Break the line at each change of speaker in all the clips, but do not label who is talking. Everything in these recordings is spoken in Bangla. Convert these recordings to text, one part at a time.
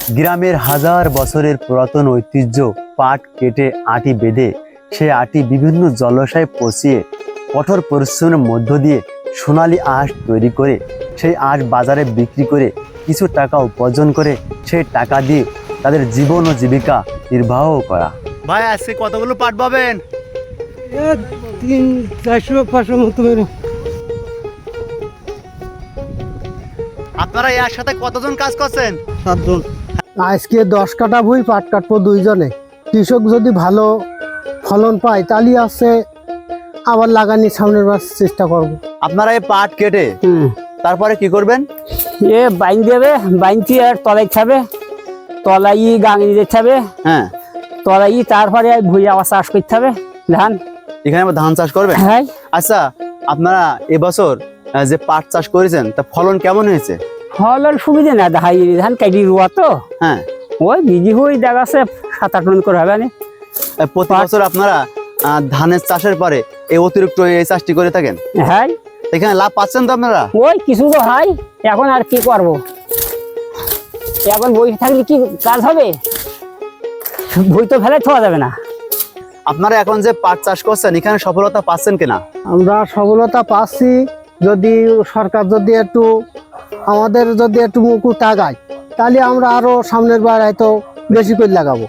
গ্রামের হাজার বছরের পুরাতন ঐতিহ্য পাট কেটে আটি বেঁধে সেই আটি বিভিন্ন জলাশয়ে পচিয়ে কঠোর পরিশ্রমের মধ্য দিয়ে সোনালী আঁশ তৈরি করে সেই আঁশ বাজারে বিক্রি করে কিছু টাকা উপার্জন করে সেই টাকা দিয়ে তাদের জীবন ও জীবিকা নির্বাহ করা। ভাই আজকে কতগুলো পাট পাবেন?
300-400-500 মতো।
আপনারা এর সাথে কতজন কাজ করছেন?
7 জন। আজকে 10 কাঠা ভুই পাট কাটবো 2 জনে। কৃষক যদি ভালো ফলন পায় তাহলে আছে আবার লাগানি সামনের বার চেষ্টা করব।
আপনারা এই পাট কেটে তারপরে কি করবেন?
এ বাইন দেবে, বাইনটি আর তলাই খাবে, তলাই গাঙি দিতে হবে।
হ্যাঁ,
তলাই তারপরে ভুঁই আবার চাষ করতে হবে ধান।
এখানে আবার ধান চাষ করবেন?
হ্যাঁ।
আচ্ছা, আপনারা এবছর যে পাট চাষ করেছেন তা ফলন কেমন হয়েছে?
ফলন সুবিধা না, ধান কাটি রোয়া তো।
হ্যাঁ,
ওই বিঘি হয়ে দেখাচ্ছে 7-8 মণ করে হবে না।
প্রতি বছর আপনারা ধানের চাষের পরে এই অতিরিক্ত এই চাষটি করে থাকেন?
হ্যাঁ।
এখানে লাভ পাচ্ছেন তো আপনারা?
ওই কিছু তো হয়, এখন আর কি করব, এখন বই থাকলে কি কাজ হবে, বই তো ফেলে থাকা যাবে না।
আপনারা এখন যে পাট চাষ করছেন এখানে সফলতা পাচ্ছেন কিনা?
আমরা সফলতা পাচ্ছি, যদি সরকার যদি একটু আমাদের যদি একটু মুখ তাকায় তাহলে আমরা আরো সামনের বার হয়তো বেশি করে লাগাবো।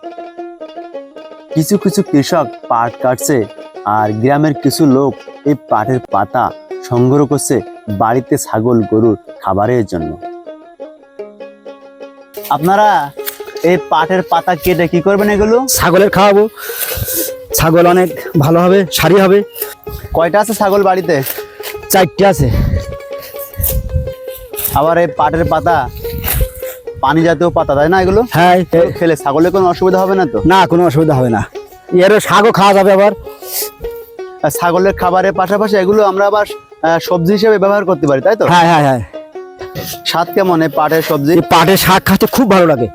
কিছু কিছু কৃষক পাট কাটছে আর গ্রামের কিছু লোক এই পাটের পাতা সংগ্রহ করছে বাড়িতে ছাগল গরুর খাবারের জন্য। আপনারা এই পাটের পাতা কেটে কি করবেন? এগুলো
ছাগলের খাওয়াবো, ছাগল অনেক ভালো হবে, সারি হবে।
কয়টা আছে ছাগল বাড়িতে?
4টে আছে।
আবার এই পাটের পাতা পানি জাতীয় পাতা, তাই না? এগুলো
হ্যাঁ,
খেলে ছাগলের কোনো অসুবিধা হবে না তো?
না, কোনো অসুবিধা হবে না। এরও শাকও খাওয়া যাবে আবার।
আর ছাগলের খাবারের পাশাপাশি এগুলো আমরা আবার সবজি হিসেবে ব্যবহার করতে পারি, তাই তো?
হ্যাঁ হ্যাঁ হ্যাঁ।
স্বাদ কেমন এই পাটের সবজি?
এই পাটের শাক খেতে খুব ভালো লাগে।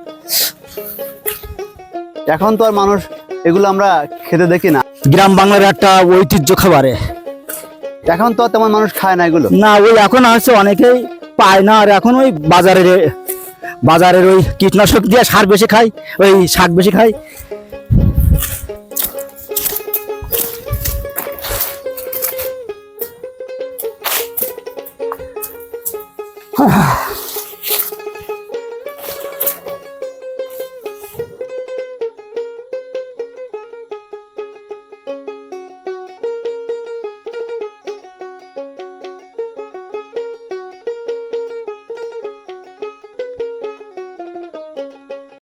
এখন তো আর মানুষ এগুলো আমরা খেতে দেখি না।
গ্রাম বাংলার একটা ঐতিহ্য খাবারে।
এখন তো আর তেমন মানুষ খায় না এগুলো।
না, ওই এখন হচ্ছে অনেকেই পায় না, আর এখন ওই বাজারের ওই কীটনাশক দিয়ে সার বেশি খায়, ওই শাক বেশি খায়।